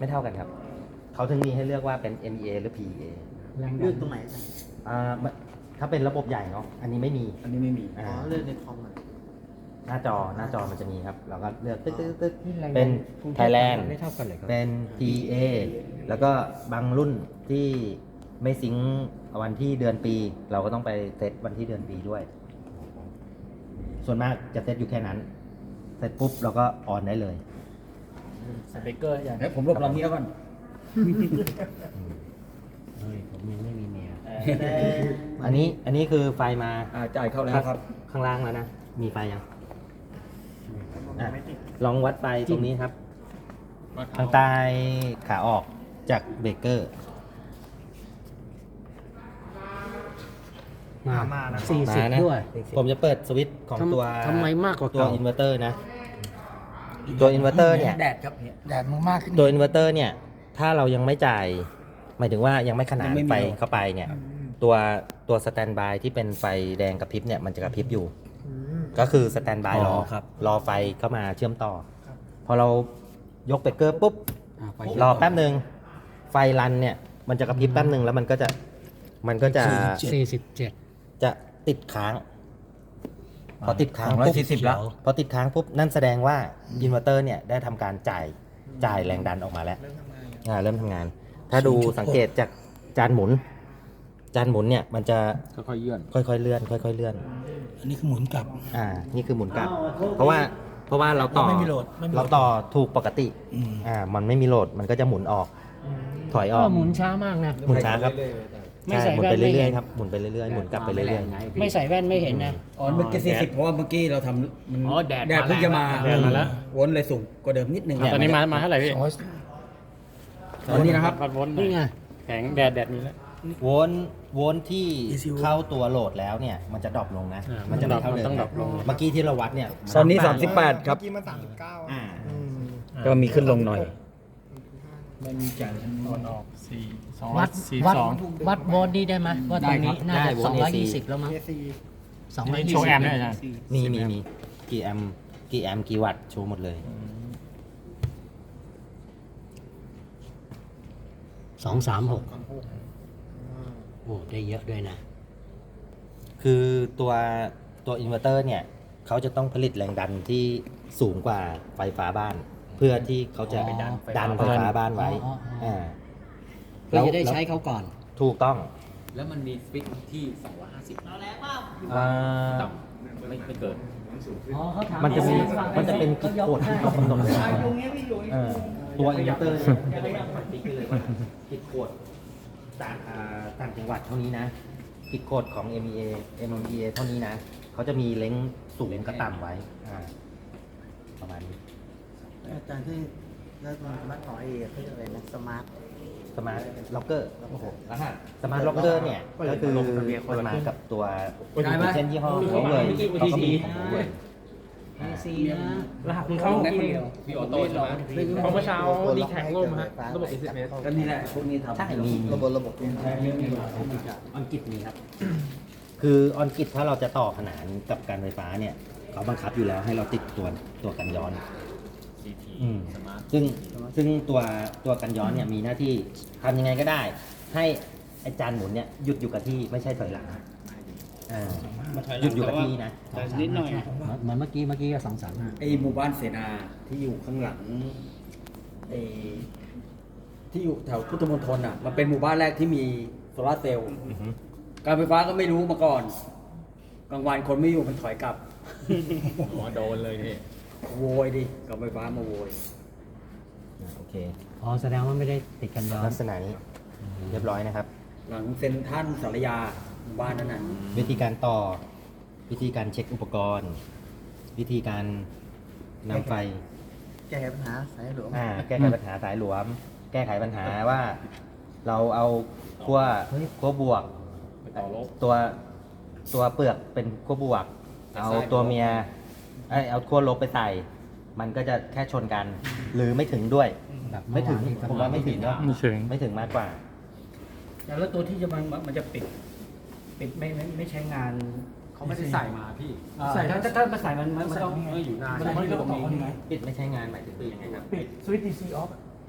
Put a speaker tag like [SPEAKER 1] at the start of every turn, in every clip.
[SPEAKER 1] ไม่เท่ากันครับเขาถึงมีให้เลือกว่าเป็น MEA หรือ PEA
[SPEAKER 2] เลือกตรงไหน
[SPEAKER 1] อ่าถ้าเป็นระบบใหญ่เนาะอันนี้ไม่มี
[SPEAKER 2] อันนี้ไม่มี
[SPEAKER 1] อ่า
[SPEAKER 2] อ๋อเลือกในคอมอ่ะ
[SPEAKER 1] หน้าจอมันจะมีครับเราก็เลือกตึ๊ก
[SPEAKER 3] นี่แรงดัน
[SPEAKER 1] เป็น
[SPEAKER 3] กรุงเทพ
[SPEAKER 1] Thailand
[SPEAKER 3] ไม่เท่ากันเลยครับ
[SPEAKER 1] เป็น PEA แล้วก็บางรุ่นที่ไม่ซิงค์วันที่เดือนปี เราก็ต้องไปเซตวันที่เดือนปีด้วย ส่วนมากจะเซตอยู่แค่นั้นเสร็จปุ๊บเราก็ออนได้เลย
[SPEAKER 2] สเปกเกอร์อย่างนี้ผมรวบรวมนี้ก่อน
[SPEAKER 3] เฮ้ยผมยังไม่มีเมีย
[SPEAKER 1] อันนี้คือไฟมา
[SPEAKER 2] จ่ายเข้าแล้วครับ
[SPEAKER 1] ข้างล่างแล้วนะ มีไฟยังอ่ะลองวัดไฟตรงนี้ครับ ทางใต้ขาออกจากเบรกเกอร์
[SPEAKER 3] มา40
[SPEAKER 1] นะ
[SPEAKER 3] ด้วย
[SPEAKER 1] ผมจะเปิดสวิตช์ของตัว
[SPEAKER 3] ทำไมมากกว่า
[SPEAKER 1] ตัว
[SPEAKER 3] เก่า
[SPEAKER 1] อินเวอร์เตอร์นะ ตัวอินเวอร์เตอร์เนี่ย
[SPEAKER 2] แดดครับเนี่ย
[SPEAKER 3] แดดมันมากขึ้น
[SPEAKER 1] ตัวอินเวอร์เตอร์เนี่ย ถ้าเรายังไม่จ่าย หมายถึงว่ายังไม่ขนาน
[SPEAKER 2] ยังไม่มี
[SPEAKER 1] ไฟเข้าไปเนี่ย ตัวสแตนบายที่เป็นไฟแดงกระพริบเนี่ย มันจะกระพริบอยู่ ก็คือสแตนบายรอไฟเข้ามาเชื่อมต่อ พอเรายกเบรกเกอร์ปุ๊บ รอแป๊บหนึ่งไฟรันเนี่ย มันจะกระพริบแป๊บหนึ่งแล้วมันก็จะ
[SPEAKER 3] 47
[SPEAKER 1] จะติดค้าง พอติดค้างปุ๊บ
[SPEAKER 2] 240แล้ว
[SPEAKER 1] พอติดค้างปุ๊บนั่นแสดงว่าอินเวอร์เตอร์เนี่ยได้ทำการจ่ายแรงดันออกมาแล้วเริ่มทำงาน ถ้าดูสังเกตจากจานหมุนเนี่ยมันจะ
[SPEAKER 2] ค่อยๆเยื่อน
[SPEAKER 1] ค่อยๆเลื่อนค่อยๆเลื่อน
[SPEAKER 3] อันนี้คือหมุนกลับ
[SPEAKER 1] นี่คือหมุนกลับ เพราะว่าเราต่อ
[SPEAKER 3] ไม่มีโหลดไม่มีโหลด
[SPEAKER 1] เราต่อถูกปกติมันไม่มีโหลดมันก็จะหมุนออก ถอยออก
[SPEAKER 3] หมุนช้ามากนะ
[SPEAKER 1] หมุนช้าครับ
[SPEAKER 3] ไม่ใส่
[SPEAKER 1] หมุน
[SPEAKER 3] แว่
[SPEAKER 1] ไป
[SPEAKER 3] นไม่
[SPEAKER 1] เรื่
[SPEAKER 3] เห็
[SPEAKER 1] อย
[SPEAKER 3] น
[SPEAKER 1] ๆครับหมุนไปเรื่อยๆหมุนกลับไปเรื่อยๆ
[SPEAKER 3] ไม่ใส่แว่นไม่เห็นนะ
[SPEAKER 2] อ๋อเมื่อกี้40เพราะว่าเมื่อกี้เราทำมัน
[SPEAKER 3] อ๋อแดด
[SPEAKER 2] เพิ่งจะมา
[SPEAKER 3] แดดมาแล้ว
[SPEAKER 2] วนเลยสูงกว่าเดิมนิดนึง
[SPEAKER 1] เนี่ย
[SPEAKER 4] ตอนนี้มาเท่าไหร่พี่
[SPEAKER 2] ตอนนี้นะครับ
[SPEAKER 4] วัดวน
[SPEAKER 3] นี่ไง
[SPEAKER 4] แข็งแดดมีแล้ว
[SPEAKER 1] โวลต์ที่เข้าตัวโหลดแล้วเนี่ยมันจะดรอปลงนะ มันจะไม่เท่าเดิม
[SPEAKER 4] ต้องดรอปลง
[SPEAKER 1] เมื่อกี้ที่เราวัดเนี่ย
[SPEAKER 2] ตอนนี้38ครับ
[SPEAKER 5] เมื่อกี้มัน39
[SPEAKER 1] อ่า
[SPEAKER 2] ก็มีขึ้นลงหน่อย
[SPEAKER 3] วัด
[SPEAKER 4] 42
[SPEAKER 3] วัดโวลต์นี่ได้ไหมว่าตรงนี้น่าจะ
[SPEAKER 1] ได้โวลต์
[SPEAKER 3] 220 แล้วมั้ง
[SPEAKER 5] AC
[SPEAKER 4] โชว์แอมป์ด้วยอาจารย์
[SPEAKER 1] มีกี่แอมป์กี่วัตต์โชว์หมดเลย
[SPEAKER 3] 236โอ้ได้เยอะด้วยนะ
[SPEAKER 1] คือตัวอินเวอร์เตอร์เนี่ยเขาจะต้องผลิตแรงดันที่สูงกว่าไฟฟ้าบ้าน เพื่อที่เขาจะ
[SPEAKER 3] อ๋อ
[SPEAKER 1] ดันไฟฟ้าบ้านไว้
[SPEAKER 3] อ๋อ
[SPEAKER 1] า
[SPEAKER 3] เพื่อจะได้ใช้เขาก่อน
[SPEAKER 1] ถูกต้อง
[SPEAKER 6] แล้วมันมีสวิตช์ที่ 250
[SPEAKER 1] อ่า
[SPEAKER 6] ต่ำไม่เกิน
[SPEAKER 3] อ๋อเขาถาม
[SPEAKER 1] มันจะเป็นกิจกฎที่เขากำหนดไว้
[SPEAKER 5] ตรงนี้ไม่อยู่
[SPEAKER 1] ตัวอินเวอร์เตอร์เนี่ยจะต้องปฏิกิริยากิจกฎต่างจังหวัดเท่านี้นะกิจกฎของ MEA เท่านี้นะเขาจะมีเล้งสูงกับต่ำไว้ประมาณนี้
[SPEAKER 2] อาจารย์ที่แล้วมันต่อเอเขาเรียกอะไรนะสมาร์ท
[SPEAKER 1] สมาร์ทล็อกเกอร์สมาร์ทล็อกเกอร์เนี่ยก็คือมันมากับตัวเช่นยี่ห้อเขาเลยเขาก็มีของเขาเลย
[SPEAKER 3] ซีนะ
[SPEAKER 4] รหัสคุณเข้า
[SPEAKER 6] พี่ออโต้ใช่ไหม
[SPEAKER 4] เพราะเมื่อเช้าดีแท็กล่มฮะระบบ SMS
[SPEAKER 2] ก็นี่แหละพวกนี้ทำ
[SPEAKER 1] ใช่มี
[SPEAKER 2] ระบบ
[SPEAKER 1] ออนกิตมีครับ คือออนกิตถ้าเราจะต่อขนานกับการไฟฟ้าเนี่ยเขาบังคับอยู่แล้วให้เราติดตัวกันย้อน
[SPEAKER 6] CT สมาร์ท
[SPEAKER 1] ซึ่งตัวกันย้อนเนี่ยมีหน้าที่ทำยังไงก็ได้ ให้ไอจานหมุนเนี่ยหยุดอยู่กับที่ไม่ใช่ถอยหลังหยุดอยู่กับที่นะ
[SPEAKER 5] นิดหน่อย
[SPEAKER 3] เหมือนเมื่อกี้ก็235
[SPEAKER 2] ไอหมู่บ้านเสนาที่อยู่ข้างหลังไอที่อยู่แถวพุทธมณฑลอ่ะมันเป็นหมู่บ้านแรกที่มีโซลาร์เซลล์การไฟฟ้าก็ไม่รู้มาก่อนกลางวันคนไม่อยู่มันถอยกลับ
[SPEAKER 4] หัวโดนเลยนี่
[SPEAKER 2] โวยดิกับไฟฟ้ามาโวย
[SPEAKER 1] โอเค
[SPEAKER 3] อ๋อแสดงว่าไม่ได้ติดกันย้อน
[SPEAKER 1] ลักษณะนี้เรียบร้อยนะครับ
[SPEAKER 2] หลังเซ็นทรัลสารยาหมู่บ้านนั้นน่ะ
[SPEAKER 1] วิธีการต่อ วิธีการเช็คอุปกรณ์ วิธีการนำไฟ
[SPEAKER 2] แก้ปัญหาสายหลวง
[SPEAKER 1] แก้ไขปัญหาสายหลวม แก้ไขปัญหาว่าเราเอาขั้วบวก
[SPEAKER 6] ไปต่อลบ
[SPEAKER 1] ตัวเปลือกเป็นขั้วบวก เอาตัวเมียเอาขั้วลบไปใส่ มันก็จะแค่ชนกัน หรือไม่ถึงด้วย
[SPEAKER 3] แบบเอ
[SPEAKER 1] ไม่ถึง
[SPEAKER 3] วานที่
[SPEAKER 1] ผมว่าไม่ถึงนะ
[SPEAKER 4] ไม่ถึง
[SPEAKER 1] ไม่ถึงมากกว่า
[SPEAKER 2] แล้วตัวที่จะมันจะปิดไม่ใช้งาน
[SPEAKER 6] เขาไม่ได้ใส่มาพี่
[SPEAKER 2] ใส่ถ้ามาใส่มันต้อง
[SPEAKER 6] ไม่อยู่นาน
[SPEAKER 2] มันต้องอยู่ตรงนี้
[SPEAKER 1] ปิดไม่ใช้งานหมายถึงยังไงครับ
[SPEAKER 5] ปิดสวิตช์ DC off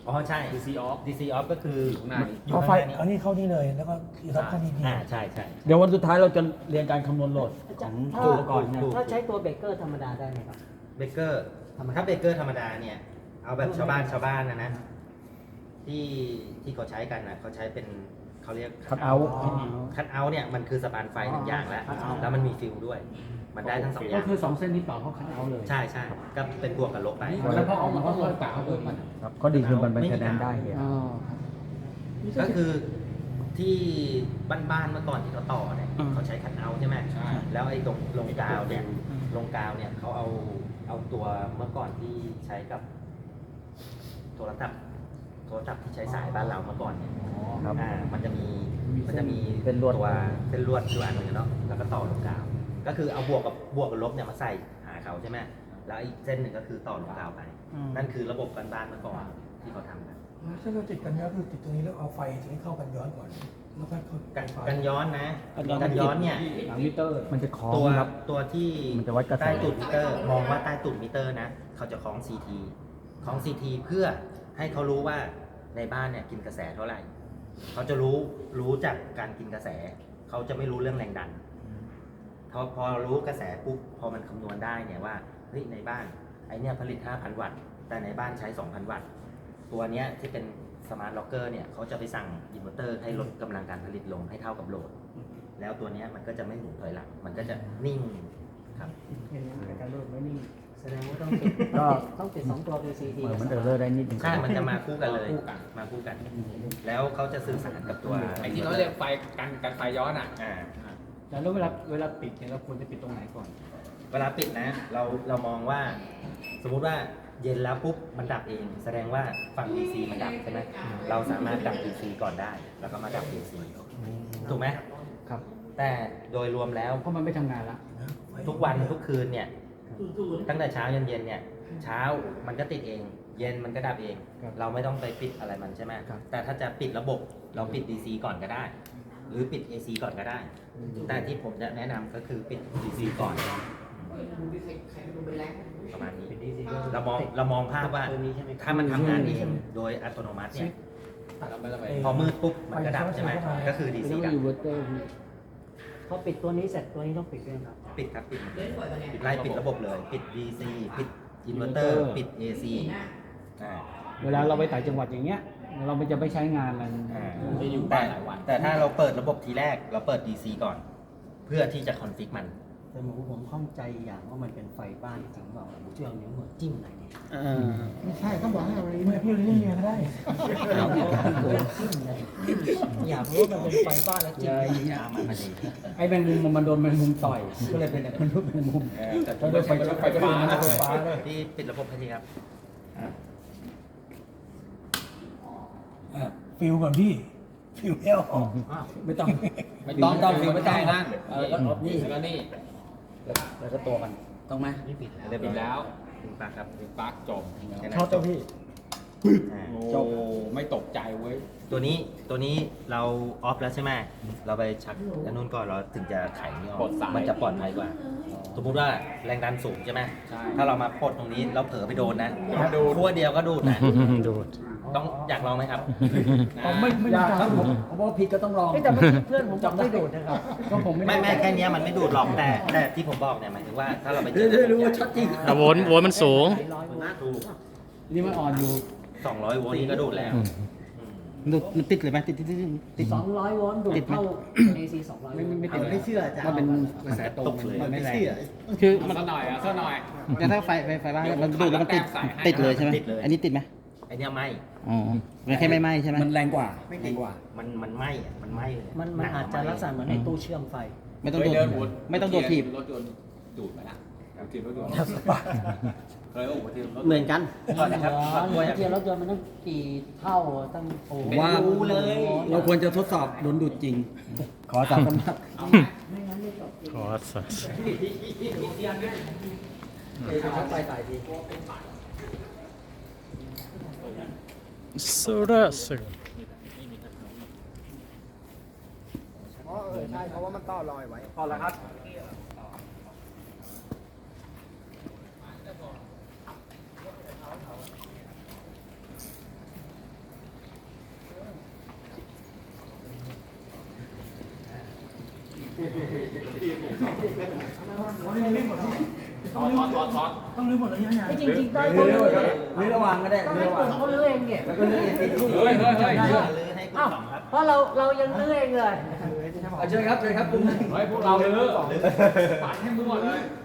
[SPEAKER 1] อ๋อใช่
[SPEAKER 6] DC off
[SPEAKER 1] DC off ก็คือ
[SPEAKER 6] อยู่ข้างหน้านี้
[SPEAKER 1] อยู่
[SPEAKER 5] เอา
[SPEAKER 1] ข้าง
[SPEAKER 5] ไฟ
[SPEAKER 1] หน้านี้
[SPEAKER 5] เอานี่เข้านี่เลยแล้วก็อีกเข้านี่นี่
[SPEAKER 1] ใช่ใช่
[SPEAKER 2] เดี๋ยววันสุดท้ายเราจะเรียนการคำนวณโหลดของ
[SPEAKER 3] ถ้า
[SPEAKER 2] ตัวอุปกรณ์เนี่ย
[SPEAKER 3] ถ้าใช้ตัวเบเกอร์ธรรมดาได้ไหมครับ
[SPEAKER 1] เบเกอร์ถ้าเบเกอร์ธรรมดาเนี่ย เอาแบบชาวบ้านนะที่เขาใช้กันนะเขาใช้เป็นเขาเรียก
[SPEAKER 2] คัทเอาท์
[SPEAKER 1] คัทเอาท์เนี่ยมันคือสปานไฟหนึ่งอย่างแล้ว แล้วมันมีฟิลด้วย มันได้ทั้งสองอ
[SPEAKER 2] ก็
[SPEAKER 1] ย่าง
[SPEAKER 2] คือ2เส้นนี้ต่อเข้าคัทเอาท์เลย
[SPEAKER 1] ใช่ใช่ก็เป็นบวกกับลบไป
[SPEAKER 6] แล้วพอออกมาก็ค่อยกะเอาเพิ่มมัน
[SPEAKER 2] ครับก็ดีคือมันเป็นคะแนนได้เนี่ย
[SPEAKER 1] ก็คือที่บ้านๆเมื่อก่อนที่เขาต่อเนี่ยเขาใช้คัทเอาท์ใช่ไหม
[SPEAKER 6] ใช่
[SPEAKER 1] แล้วไอ้ตรงลงกาวเนี่ยเขาเอาตัวเมื่อก่อนที่ใช้กับโทรศัพท์ที่ใช้สายบ้านเราเมื่อก่อนเนี่ย
[SPEAKER 2] ครับ
[SPEAKER 1] มันจะมี
[SPEAKER 2] เป็นลวด
[SPEAKER 1] ตัวเส้นลวดอยู่อันหนึงเนาะแล้วก็ต่อลงกาว ก็คือเอาบวกกับลบเนี่ยมาใส่หาเขาใช่ไหมแล้วอีกเส้นหนึ่งก็คือต่อลงกาวไป นั่นคือระบบบ้านๆเมื่อก่อนที่เขาทำกัน
[SPEAKER 5] ถ้าเราติดกันย้อนคือติดตรงนี้แล้วเอาไฟตรงนี้เข้ากันย้อนก่อนแล้วก็เข้า
[SPEAKER 1] กันย้อนนะกันย้อนเนี่ย
[SPEAKER 2] หลังมิเตอร์มันจะคล้อง
[SPEAKER 1] ตัว
[SPEAKER 2] ครับ
[SPEAKER 1] ตัวที่
[SPEAKER 2] มันจะวัดกระแส
[SPEAKER 1] ใต้ตุ่มมิเตอร์ มองว่าใต้ตุ่มมิเตอร์นะเขาจะคล้อง CT คล้อง CT เพื่อให้เขารู้ว่าในบ้านเนี่ยกินกระแสเท่าไหร่เขาจะรู้จากการกินกระแส เขาจะไม่รู้เรื่องแรงดันพอรู้กระแสปุ๊บพอมันคำนวณได้เนี่ยว่าเฮ้ยในบ้านไอเนี่ยผลิต 5,000 วัตต์แต่ในบ้านใช้ 2,000 วัตต์ตัวเนี้ยที่เป็นสมาร์ทล็อกเกอร์เนี่ยเขาจะไปสั่งอินเวอร์เตอร์ให้ลดกำลังการผลิตลงให้เท่ากับโหลด แล้วตัวเนี้ยมันก็จะไม่หมุนถอยหลังมันก็จะนิ่งครับ
[SPEAKER 3] การโหลดไม่นิ่งแสดงว่าต้องติด
[SPEAKER 2] ก็
[SPEAKER 3] ต้องติด2ตัว PCT
[SPEAKER 2] เหมือนมันเออร์เลอร์ได้นิดนึง
[SPEAKER 1] ใช่ มันจะมาคู่กันเลย มาคู่กัน แล้วเขาจะสื่อสารกับตัว
[SPEAKER 6] ไอ้ที่เราเรียกไฟกันไฟย้อนอ่ะ
[SPEAKER 1] อ่า
[SPEAKER 2] แล้วเวลาปิดเนี่ยเราควรจะปิดตรงไหนก่อน
[SPEAKER 1] เวลาปิดนะ เรามองว่า สมมุติว่าเย็นแล้วปุ๊บ มันดับเอง แสดงว่าฝั่ง DC มันดับใช่ไหม เราสามารถดับ DC ก่อนได้ แล้วก็มาดับ AC ถูกไหม
[SPEAKER 2] ครับ
[SPEAKER 1] แต่โดยรวมแล้ว
[SPEAKER 2] เพราะมันไม่ทำงานละ
[SPEAKER 1] ทุกวันทุกคืนเนี่ย ตั้งแต่เช้าเย็นเนี่ย เช้ามันก็ติดเอง เย็นมันก็ดับเอง เราไม่ต้องไปปิดอะไรมันใช่ไหมแต่ถ้าจะปิดระบบเราปิด DC ก่อนก็ได้ หรือปิด AC ก่อนก็ได้ แต่ที่ผมจะแนะนำก็คือปิด DC ก่อนประมาณนี้เรามองภาพว่า
[SPEAKER 3] ตัวนี้ใช่ไหม
[SPEAKER 1] ถ้ามันทำงานเองโดยอัตโนมัติเนี่ย
[SPEAKER 6] เราไม่ต้องไป
[SPEAKER 1] พอมืดปุ๊บมันก็ดับใช่ไหมก็คือ DC ดับ
[SPEAKER 3] พอปิดตัวนี้เสร็จตัวนี้ต้องปิดด้วยครับ
[SPEAKER 1] ปิดครับปิดไล่ปิดระบบเลย ปิด DC ปิดอินเวอร์เตอร์ ปิด AC
[SPEAKER 2] เวลาเราไปต่างจังหวัดอย่างเงี้ย เราจะไม่ใช้งานมัน
[SPEAKER 6] จะอยู่บ้านหลายวัน
[SPEAKER 1] แต่ถ้าเราเปิดระบบทีแรกเราเปิด DC ก่อน เพื่อที่จะคอนฟิกมัน
[SPEAKER 3] แต่ผมข้องใจอย่างว่ามันเป็นไฟบ้านจริงเปล่าผมเชื่อเอานิ้วมือจิ้มไหนเนี่ย
[SPEAKER 5] ไม่ใช่ต้องบอกให้เอาไม่พี่เลี้ยงเมียก็ได้
[SPEAKER 3] อยากรู้ว่ามันเป็นไฟบ้านแล้วจิ้มไหน
[SPEAKER 2] ไอ้แมงมุมมันโดนแมงมุมต่อย ก็เลยเป็นมันรูปแมงมุม
[SPEAKER 1] แต่
[SPEAKER 2] แล้วไฟฟ้ามันไฟฟ้าเลย
[SPEAKER 1] ที่ปิดระบบให้ทีครับ
[SPEAKER 5] ฟิลก่อนพี่ฟิลแล้วออก
[SPEAKER 2] ไม่ต้อง
[SPEAKER 6] ไม่ต้องฟิวไม่ต้องนั่นแล้วนี่แล้วนี่
[SPEAKER 2] แล้วก็ตัวมันต้องไหม
[SPEAKER 3] ไม่ปิดแล้ว
[SPEAKER 6] เรียบร้อยแล้ว
[SPEAKER 1] ถึงปากครับ
[SPEAKER 6] ถึงปลั๊กจบ
[SPEAKER 1] แค่นั้น
[SPEAKER 2] ชอบเจ้าพี่
[SPEAKER 1] อ่า
[SPEAKER 6] โอ้ไม่ตกใจเว้ย
[SPEAKER 1] ตัวนี้เราออฟแล้วใช่ไหมเราไปชักอันนู้นก่อนเราถึงจะไขนี่ออก
[SPEAKER 6] ปลดสาย
[SPEAKER 1] มันจะปลอดภัยกว่า สมมติว่าแรงดันสูงใช่ไหม
[SPEAKER 6] ใช่
[SPEAKER 1] ถ้าเรามาปลดตรงนี้เราเผลอไปโดนนะขั้วเดียวก็ดูดนะ
[SPEAKER 4] ดูด
[SPEAKER 1] ต้องอยากลองไหมครับ
[SPEAKER 2] ไม่ยากครับผมว่าผิดก็ต้องลอง
[SPEAKER 3] แต่เมื่อกี้เพื่อนผมจำได้โดดนะครับ
[SPEAKER 2] ก็ผมไม่
[SPEAKER 1] ไม่แค่เนี้ยมันไม่ดูดหรอกแต่ที่ผมบอกเนี่ยหมายถึงว่าถ้าเราไปเจอ
[SPEAKER 2] ได้รู้ว่าชัดจริง
[SPEAKER 4] โวลต์มันสูง
[SPEAKER 1] ถูก
[SPEAKER 2] นี่มันอ่อนอยู่
[SPEAKER 1] 200 โวลต์นี่ก็ดูดแล้ว
[SPEAKER 2] ดูมันติดเลยไหมติดติด
[SPEAKER 3] 200 โวลต์ดูดเข้า AC 200
[SPEAKER 2] ไม่ติดไม่เชื่อจ้ะมันเป็นกระแสตรงมันไม่แรง
[SPEAKER 3] คือ
[SPEAKER 6] มันสักหน่อยอ่ะสักหน่อย
[SPEAKER 3] แต่ถ้าไฟบ้านมันดูดแล้วมันติดเลยใช่ไหม
[SPEAKER 1] ติดเลย
[SPEAKER 3] อันนี้ติดไหม
[SPEAKER 1] ไอเนี้ยไหม
[SPEAKER 3] อ๋อมันแค่ไม่ไหม้ใช่ไหม
[SPEAKER 2] มันแรงกว่าแรงกว่า
[SPEAKER 1] มันไหมอ่ะมันไหมเลย
[SPEAKER 3] มันอาจจะลักษณะเหมือนในตู้เชื่อมไฟ
[SPEAKER 6] ไม่ต้องโดดไม่ต้องโดดถีบ
[SPEAKER 3] ร
[SPEAKER 6] รถยนต์ดูดไปละถีบรถยนต์
[SPEAKER 5] สปา
[SPEAKER 6] เคยโอ้โหถีบรถ
[SPEAKER 3] เหมือนกัน
[SPEAKER 1] ก่อนนะครับ
[SPEAKER 3] เทียบรถยนต์มันต้องกี่เท่าตั้งโอ้
[SPEAKER 2] ว่า
[SPEAKER 3] รู้เลย
[SPEAKER 2] เราควรจะทดสอบโดนดูดจริง ขอสามคำนับ
[SPEAKER 3] ไม่งั้นไม่จบ
[SPEAKER 4] ขอสัตว์
[SPEAKER 3] ไฟตายที
[SPEAKER 4] สุระสึก
[SPEAKER 5] ใช่เพราะว่ามันต่อลอยไว้
[SPEAKER 2] พอแล้วครับ
[SPEAKER 5] ต้องรื้อหมดเลยเนี่ย
[SPEAKER 7] จริงๆได้
[SPEAKER 2] รื้
[SPEAKER 7] เขา
[SPEAKER 2] อ
[SPEAKER 7] ลื้อ
[SPEAKER 2] รื้อระวังก็ได้
[SPEAKER 7] ต้อง
[SPEAKER 2] รื้
[SPEAKER 7] ให้
[SPEAKER 2] อระวัง
[SPEAKER 7] กลุ่มเขาลื้อเองเนี่ย
[SPEAKER 2] แล้วก็รื้อเอง
[SPEAKER 6] เฮ้ยเฮ้ยเฮ้ย
[SPEAKER 7] เอ้าเพราะเรายังลื้อเองเลย
[SPEAKER 2] เชิญครับกลุ่มหนึ่ง
[SPEAKER 6] เฮ้ยพวกเราเลยปัดให้มั่วเลย